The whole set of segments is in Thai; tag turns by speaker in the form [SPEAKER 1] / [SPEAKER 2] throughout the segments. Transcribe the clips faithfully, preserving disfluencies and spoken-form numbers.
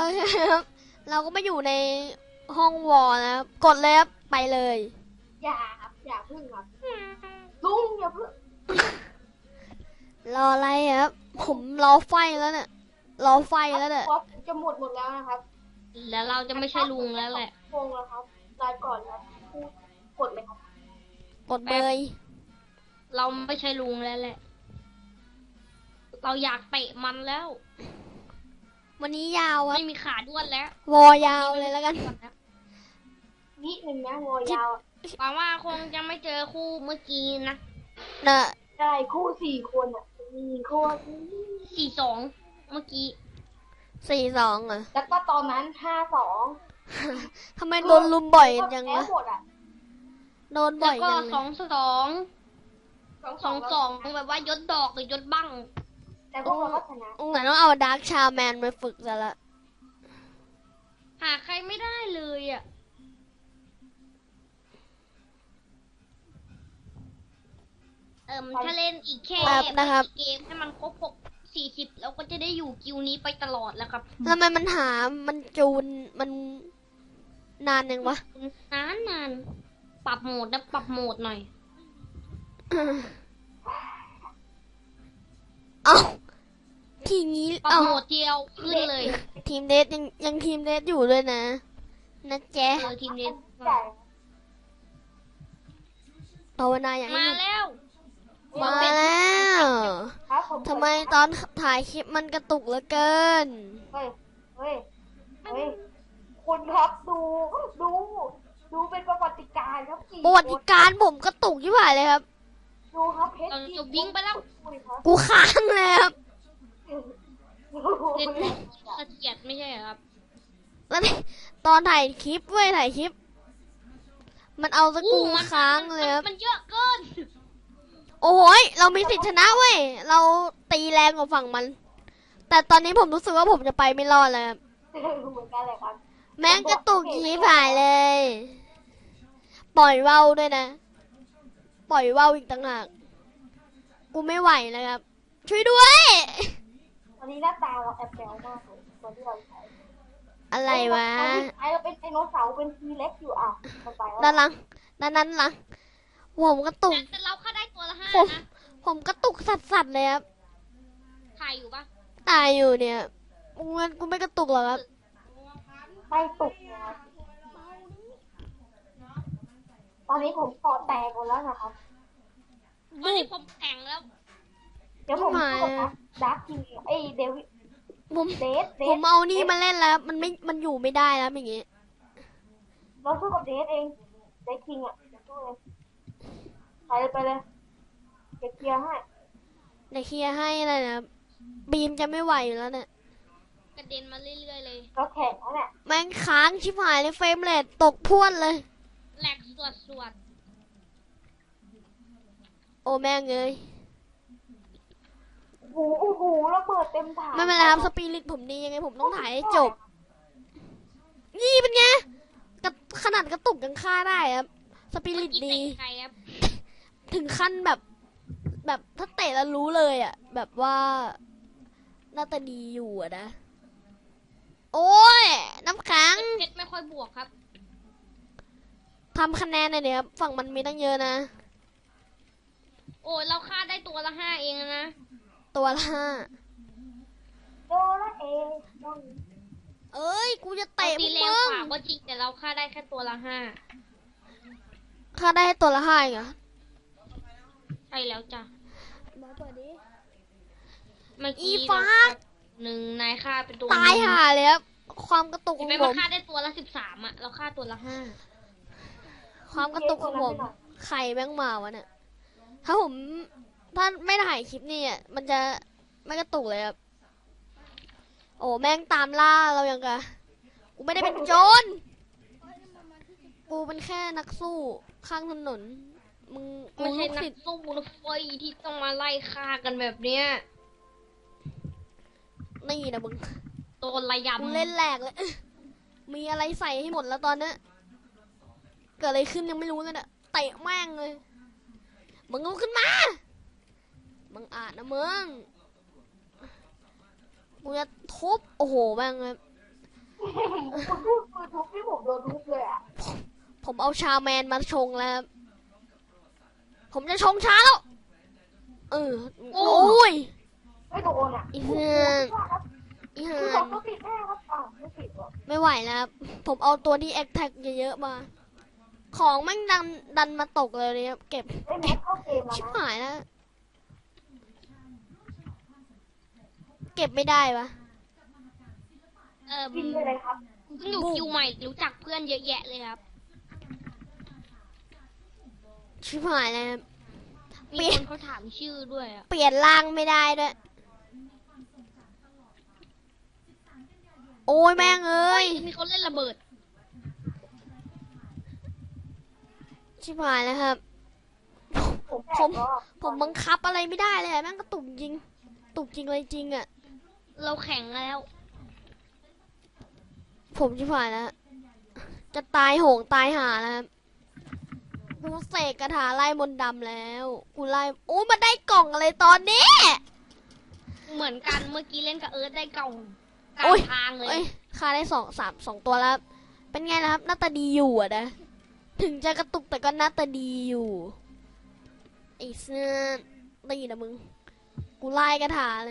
[SPEAKER 1] เคครับเราก็มาอยู่ในห้องวอลนะครับกดเลยครับไปเลย
[SPEAKER 2] อย่าครับอย่าพึ่งครับลุงอย่าพึ่ง
[SPEAKER 1] รออะไรครับผมรอไฟแล้วเนี่ยรอไฟแล้วเนี่ย
[SPEAKER 2] ว่าจะหมดหมดแล้วนะครับ
[SPEAKER 3] แล้วเราจะไม่ใช่ลุงแล้วแหละ
[SPEAKER 2] โกงแล้วครับรายก่อนแล้วพูดกดเลยครับ
[SPEAKER 1] กดเบย
[SPEAKER 3] เราไม่ใช่ลุงแล้วแหละ เราอยากเตะมันแล้ว
[SPEAKER 1] วันนี้ยาวครับ
[SPEAKER 3] ไม่มีขาด้วนแล้ว
[SPEAKER 1] วอยาวเลยแล้วกัน
[SPEAKER 2] นิดนึงนะวอยาว
[SPEAKER 3] หวังว่าคงจะไม่เจอคู่เมื่อกี้นะ
[SPEAKER 1] นะ
[SPEAKER 2] ได้คู่สี่คนอ่ะมีคน
[SPEAKER 3] สี่สองเมื่อกี้
[SPEAKER 1] สี่สองอ่ะ
[SPEAKER 2] แล้วก็ตอนนั้นห้าสอง
[SPEAKER 1] ทำไมโดนลุมบ่อยจัง
[SPEAKER 2] แพ้
[SPEAKER 1] วะ
[SPEAKER 2] หมดอ่ะ
[SPEAKER 1] โดนบ่
[SPEAKER 3] แล้
[SPEAKER 1] อ
[SPEAKER 3] วย ก็
[SPEAKER 1] จัง
[SPEAKER 3] สองสองสองสองแบบว่ายศดอกหรือยศบั้ง
[SPEAKER 2] แต่พวกเราก็ชนะ
[SPEAKER 1] เหมือนต้องเอาดาร์กชาแมนมาฝึกซะละ
[SPEAKER 3] หาใครไม่ได้เลยอ่ะ เอิ่มถ้าเล่นอีกแค่
[SPEAKER 1] แบบนะครับ
[SPEAKER 3] เกมให้มันครบหกสี่สิบเราก็จะได้อยู่กิวนี้ไปตลอดแล้วครับ
[SPEAKER 1] ทำไมมันหามันจูนมันนานยังวะ
[SPEAKER 3] นานนานปรับโหมดนะปรับโหมดหน่อย
[SPEAKER 1] เอ้าทีนี้
[SPEAKER 3] ปรับ
[SPEAKER 1] เอ้า
[SPEAKER 3] โหมดเดียวขึ้นเลย
[SPEAKER 1] ทีมเดทยังยังทีมเดทอยู่ด้วยนะนะแจ๊ะ
[SPEAKER 3] เออทีมนี้
[SPEAKER 2] ใหญ่
[SPEAKER 1] ภาวนาอย่าง
[SPEAKER 3] มา
[SPEAKER 1] นี้
[SPEAKER 3] แล้ว
[SPEAKER 1] มาแล้ว
[SPEAKER 2] ครับผม
[SPEAKER 1] ทำไมตอนถ่ายคลิปมันกระตุกเหลือเกิน
[SPEAKER 2] เฮ้ยเฮ้ยเฮ้ยคุณครับดูดูดูเป็นประวัติการณ์ครับกี่
[SPEAKER 1] ประวัติการณ์ผมกระตุกยิ่งหายเลยครับ
[SPEAKER 2] ดูครับเพชร
[SPEAKER 3] เราจะวิ่งไปแล้ว
[SPEAKER 2] คุยครับ
[SPEAKER 1] กูค้างเลยครับ
[SPEAKER 3] เล่นเสถียรไม่ใช่เหรอครับ
[SPEAKER 1] แล้วนี่ตอนถ่ายคลิปเว้ยถ่ายคลิป มันเอาสกกูค้างเลยครับ
[SPEAKER 3] มันเยอะเกิน
[SPEAKER 1] โอ้ยเรามีสิทธิชนะเว้ย เราตีแรงกว่าฝั่งมัน แต่ตอนนี้ผมรู้สึกว่าผมจะไปไม่รอดแล้วครับ
[SPEAKER 2] เหมือนกันเลยครับ
[SPEAKER 1] แม่งกระตุกยีผายเลย ปล่อยเว้าด้วยนะ ปล่อยเว้าอีกต่างหาก กูไม่ไหวแล้วครับ ช่วยด้วย
[SPEAKER 2] วันนี้หน้าตาเราแอบแบวมากเลยตอนที่เราใช้
[SPEAKER 1] อะไรวะ
[SPEAKER 2] ตอนที่ใช้เราเป็นไดโนเสาร์เป็นทีเล็กอยู่อ่ะมันไปแล้ว
[SPEAKER 1] ด้านหลัง ด้านนั้นหลัง ผมกระตุก
[SPEAKER 3] แต่เราค่าได้ตัวละห้า
[SPEAKER 1] ผม
[SPEAKER 3] นะ
[SPEAKER 1] ผมกระตุกสัดๆเลยครับ
[SPEAKER 3] ถ่ายอยู่ปะ
[SPEAKER 1] ตายอยู่เนี่ยงั้นกูไม่กระตุกหรอกครับ
[SPEAKER 2] ไม่ตุกนะครับตอนนี้ผมคอแตกหมดแล้วนะครับ
[SPEAKER 3] ตอนนี้ผมแข็งแล้ว
[SPEAKER 2] เดี๋ยวผม
[SPEAKER 1] ไม่
[SPEAKER 2] สู้กับดักทีไอยเดวิด
[SPEAKER 1] ผม
[SPEAKER 2] เดสเด
[SPEAKER 1] ผม
[SPEAKER 2] ส
[SPEAKER 1] เอานี่มาเล่นแล้ว มันไม่ มันอยู่ไม่ได้แล้วอย่างงี้
[SPEAKER 2] เราสู้กับเดสเองเดสคิงอ่ะเดี๋ยวสู้เลยไปเลยไปเลยเก็บเคลียร์ให้
[SPEAKER 1] เดี๋ยวเคลียร์ให้อะไรนะบีมจะไม่ไหวอยู่แล้วเนี่ย
[SPEAKER 3] กระเด็นมาเรื่อยๆเลย
[SPEAKER 2] เราแข่งแล้วเนี่ย
[SPEAKER 1] แม่งค้างชิบหายเลยเฟรมเรทตกพรวดเลย
[SPEAKER 3] แหลกสวดสวด
[SPEAKER 1] โอ้แม่งเลย
[SPEAKER 2] โอ้โหโอ้โหระเบิดเต็มถัง
[SPEAKER 1] ไม่เป็นไรครับสปิริตผมดียังไงผมต้องถ่ายให้จบ นี่เป็นไงกระขนาดกระตุกยังฆ่าได้ครับสปิ
[SPEAKER 3] เมื่
[SPEAKER 1] ริ
[SPEAKER 3] อ
[SPEAKER 1] ต
[SPEAKER 3] กี้
[SPEAKER 1] ดี
[SPEAKER 3] เตะใครครับ
[SPEAKER 1] ถึงขั้นแบบ แบบถ้าเตะแล้วรู้เลยอ่ะ แบบว่าน่าจะดีอยู่อะนะ โอ้ย น้ำขัง
[SPEAKER 3] เพชรไม่ค่อยบวกครับ
[SPEAKER 1] ทำคะแนนหน่อยเนี่ยครับฝั่งมันมีตั้งเยอะนะ
[SPEAKER 3] โอ้ยเราค่าได้ตัวละห้าเองนะ
[SPEAKER 1] ตัวละห้า
[SPEAKER 2] โดละเอต้อง
[SPEAKER 1] เอ้ย กูจะเตะ
[SPEAKER 3] ตี
[SPEAKER 1] พวก
[SPEAKER 3] แรง
[SPEAKER 1] มึง
[SPEAKER 3] กว่าก็จริงแต่เราค่าได้แค่ตัวละห้า
[SPEAKER 1] ค่าได้ตัวละห้าเองเหรอ
[SPEAKER 3] ใช่แล้วจ้ะ
[SPEAKER 1] มาเปิดดิ
[SPEAKER 3] เมื่อ
[SPEAKER 1] อี
[SPEAKER 3] กี้
[SPEAKER 1] ฟ้า
[SPEAKER 3] เราหนึ่งนายค่าเป็นตัว
[SPEAKER 1] ตายห่าเลยครับ ความกระตุกข
[SPEAKER 3] เห็
[SPEAKER 1] อน ง
[SPEAKER 3] ไหม
[SPEAKER 1] ผ
[SPEAKER 3] ว่าม ค่าได้ตัวละสิบสามอ่ะ เราค่าตัวละห้า
[SPEAKER 1] ความกระตุกของผม ใครแม่งมาวะเนี่ย ถ้าผม ถ้าไม่ถ่ายคลิปนี่อ่ะ มันจะไม่กระตุกเลยครับ โอ้แม่งตามล่าเราอย่างกะ กูไม่ได้เป็นโจร กูเป็นแค่นักสู้ข้างถนน มึงกู
[SPEAKER 3] ไม่ใช่
[SPEAKER 1] ลูก
[SPEAKER 3] นั
[SPEAKER 1] ศิ
[SPEAKER 3] ก
[SPEAKER 1] ษย์
[SPEAKER 3] สู้รถไฟที่ต้องมาไล่ฆ่ากันแบบเนี้ย
[SPEAKER 1] นี่นะมึง
[SPEAKER 3] โดนระย
[SPEAKER 1] กูเล่นแหลกเลย มีอะไรใส่ให้หมดแล้วตอนเนี้ยเกิดอะไรขึ้นยังไม่รู้เลยเนี่ยเตะแม่งเลย มึงลุกขึ้นมา มึงอาจนะมึง กูจะทุบ โอ้โหแม่งเลย
[SPEAKER 2] คุณพูดมือทุบที่ผมโดนทุบเลยอ่ะ
[SPEAKER 1] ผมเอาชาแมนมาชงแล้วครับผมจะชงชาแล้ว เออ โอ้ย
[SPEAKER 2] ไม่โดนอ่ะ
[SPEAKER 1] อีเพื่อน อี
[SPEAKER 2] คื
[SPEAKER 1] เหื
[SPEAKER 2] อ
[SPEAKER 1] อ
[SPEAKER 2] สอง
[SPEAKER 1] น
[SPEAKER 2] ตัวติดแน่ครับอ้าวไม่ติดหรอ
[SPEAKER 1] ไม่ไหวแล้วครับผมเอาตัวที่แอคแท็กเยอะๆมา ของแม่งดันดันมาตกเลยเนี่ยเก็บ
[SPEAKER 2] ไอ้แม็กเข้าเกมแล้ว
[SPEAKER 1] ชิบ
[SPEAKER 2] นะ
[SPEAKER 1] หายแล้ว เก็บไม่ได้ปะ
[SPEAKER 3] เออ
[SPEAKER 2] กินไปเลยครับ
[SPEAKER 3] เพิ่งอยู่คิวใหม่รู้จักเพื่อนเยอะแยะเลยครับ
[SPEAKER 1] ชิบหายแล้วครับ
[SPEAKER 3] มีคนเขาถามชื่อด้วยอะ
[SPEAKER 1] เปลี่ยนร่างไม่ได้ด้วย โอ้ยแม่งเอ้ย
[SPEAKER 3] มีคนเล่นระเบิด
[SPEAKER 1] ชิบหายแล้วครับ
[SPEAKER 2] ผมแต
[SPEAKER 1] ผม
[SPEAKER 2] กแล้วอะ
[SPEAKER 1] ผมบังคับอะไรไม่ได้เลยอะแม่งก็ตุกจริง ตุกจริงเลยจริงอ่ะ
[SPEAKER 3] เราแข่งแล้ว
[SPEAKER 1] ผมชิบหายแล้ว จะตายโหงตายหาแล้วครับกูเสกกระถาไล่มนต์ดำแล้ว กูไล่โอ้ยมันได้กล่องอะไรตอนนี้
[SPEAKER 3] เหมือนกันเมื่อกี้เล่นกับเอิร์ธได้กล่องกลา
[SPEAKER 1] โอ้
[SPEAKER 3] ง
[SPEAKER 1] ย
[SPEAKER 3] ทางเล
[SPEAKER 1] เอ้
[SPEAKER 3] ย
[SPEAKER 1] ยค่าได้สองสามสองตัวแล้ว เป็นไงล่ะครับ หน้าตาดีอยู่อะนะ ถึงจะกระตุกแต่ก็หน้าตาดีอยู่ไอ้เสื้อตีนะมึง กูไล่กระถาเลย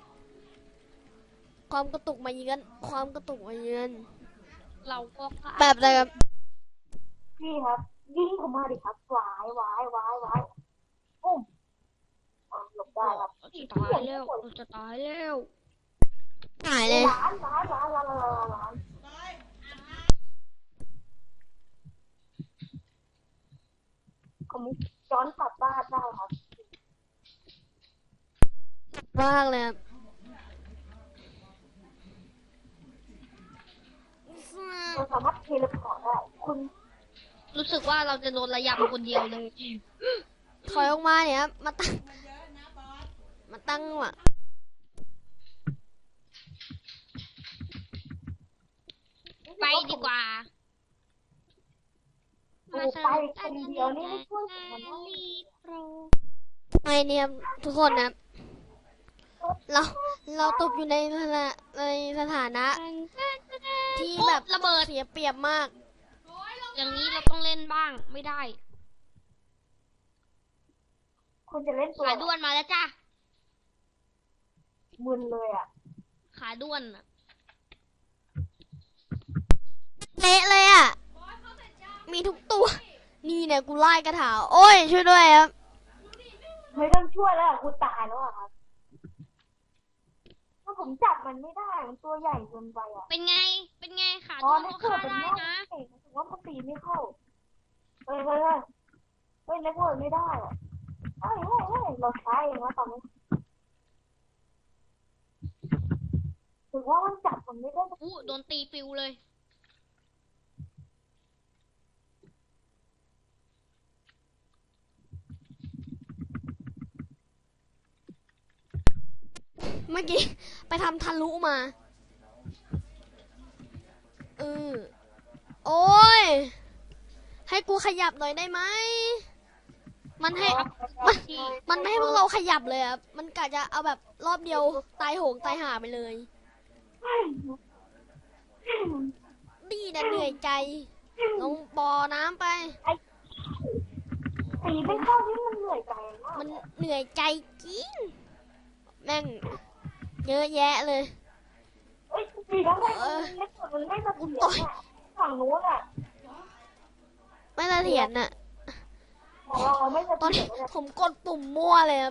[SPEAKER 1] ความกระตุกมาเยือน ความกระตุกมาเยือน
[SPEAKER 3] เราก็ฆ่า
[SPEAKER 1] แบบอะไรครับ
[SPEAKER 2] พี่ครับ ยิงผมมาดิครับวายวายวายวายปุ้มอ่ะหลบได้ครับ
[SPEAKER 3] เราจะตายแล้วเราจะตายแล้ว
[SPEAKER 1] หายเลย
[SPEAKER 2] ล้านล้านล้านล้านล้านล้านผมย้อนกลับบ้านได้ครับ
[SPEAKER 1] มากเลยครับ
[SPEAKER 2] เราสามารถเทเลพอร์ตได้ คุณ
[SPEAKER 3] รู้สึกว่าเราจะโดนระยำคนเดียวเลย
[SPEAKER 1] ถอยออกมาเนี่ยครับมาตั้ง มาตั้งว่ะ
[SPEAKER 3] ไปดีกว่า
[SPEAKER 2] ดูไปคนเดียวนี่ไม่ช่วยผมมันนะ
[SPEAKER 1] ไงเนี่ยครับทุกคนนะครับ เรา เราตกอยู่ในสถาในสถานะ ที่แบบ
[SPEAKER 3] ระเบิด
[SPEAKER 1] เสียเปรียบมาก
[SPEAKER 3] อย่างนี้เราต้องเล่นบ้างไม่ได้
[SPEAKER 2] คุณจะเล่นตัว
[SPEAKER 3] ขาด้วนมาแล้วจ้า
[SPEAKER 2] มึนเลยอ่ะ
[SPEAKER 3] ขาด้วนอะ
[SPEAKER 1] เละเลยอ่ะ มีทุกตัว นี่เนี่ยกูไล่กระถาโอ้ย ช่วยด้วยครับ
[SPEAKER 2] ไม่ต้องช่วยแล้วอะคุณตายแล้วอะครับถ้าผมจับมันไม่ได้ มันตัวใหญ่เกินไปอ่ะ
[SPEAKER 3] เป็นไง เป็นไงขา
[SPEAKER 2] อ๋อ
[SPEAKER 3] ด้วน
[SPEAKER 2] ไม่
[SPEAKER 3] ก็
[SPEAKER 2] เกิด
[SPEAKER 3] ฆ่า
[SPEAKER 2] เป็น
[SPEAKER 3] ได้
[SPEAKER 2] หน้า
[SPEAKER 3] นะ
[SPEAKER 2] เองถือว่ามันตีไม่เข้า เฮ้ยเฮ้ยเฮ้ยเฮ้ยนักเวิร์ดไม่ได้อะเฮ้ยเฮ้ยเฮ้ยเราใช้เองวะตอนนี้ถือว่ามันจับมันไม่ได้สัก
[SPEAKER 3] อู้โดนตีปิวเลย
[SPEAKER 1] เมื่อกี้ ไปทำทะลุมาเออโอ้ย ให้กูขยับหน่อยได้ไหม มันให้ มัน มันไม่ให้พวกเราขยับเลยครับ มันกะจะเอาแบบรอบเดียวตายโหงตายหาไปเลย ดีนะเหนื่อยใจ ลงบ่อน้ำไป
[SPEAKER 2] ตีไม่เข้านี่มันเหนื่อยใจมาก
[SPEAKER 1] มันเหนื่อยใจจริง แม่ง เยอะแยะเลย
[SPEAKER 2] เอ้ยตีแล้วไม่มันไม่มันไม่สะเทือนอ่ะฝั่งนู้นอ่ะ
[SPEAKER 1] ไม่เสถียรน่ะ
[SPEAKER 2] ของเราไม่สะ
[SPEAKER 1] ตอน
[SPEAKER 2] เทื
[SPEAKER 1] นี้
[SPEAKER 2] อนเลย
[SPEAKER 1] ผมกดปุ่มมั่วเลยครับ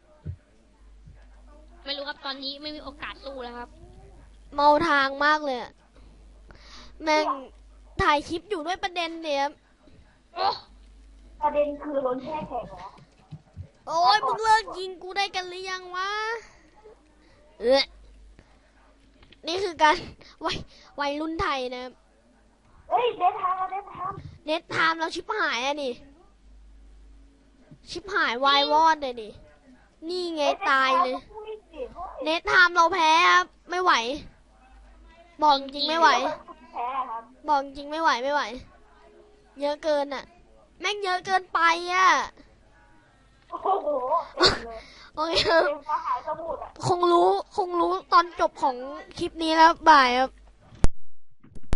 [SPEAKER 3] ไม่รู้ครับตอนนี้ไม่มีโอกาสสู้แล้วครับ
[SPEAKER 1] เมาทางมากเลยอะแม่งถ่ายคลิปอยู่ด้วยประเด็นเนี่ยครับ
[SPEAKER 2] ประเด็นคือล้นแช่แข็งแล้ว
[SPEAKER 1] โอ้ยมึงเลิกยิงกูได้กันหรือยังวะ เออนี่คือการ วัยวัยรุ่นไทยนะครับ
[SPEAKER 2] เอ้ยเดททามเดททาม
[SPEAKER 1] เน็ตไทม์เราชิบหายอะนี่ ชิบหายวายวอดเลยดิ นี่ไงตายเลย เน็ตไทม์เราแพ้ครับ ไม่ไหว บอกจริงไม่ไหว
[SPEAKER 2] แพ้ครับ
[SPEAKER 1] บอกจริงไม่ไหวไม่ไหว เยอะเกินอะแม่งเยอะเกินไปอะ
[SPEAKER 2] โอ้โหเต็มเลย
[SPEAKER 1] โอเคครับ
[SPEAKER 2] เต็มกระหายสมุดอ่ะ
[SPEAKER 1] คงรู้ คงรู้ตอนจบของคลิปนี้แล้วบ่ายครับ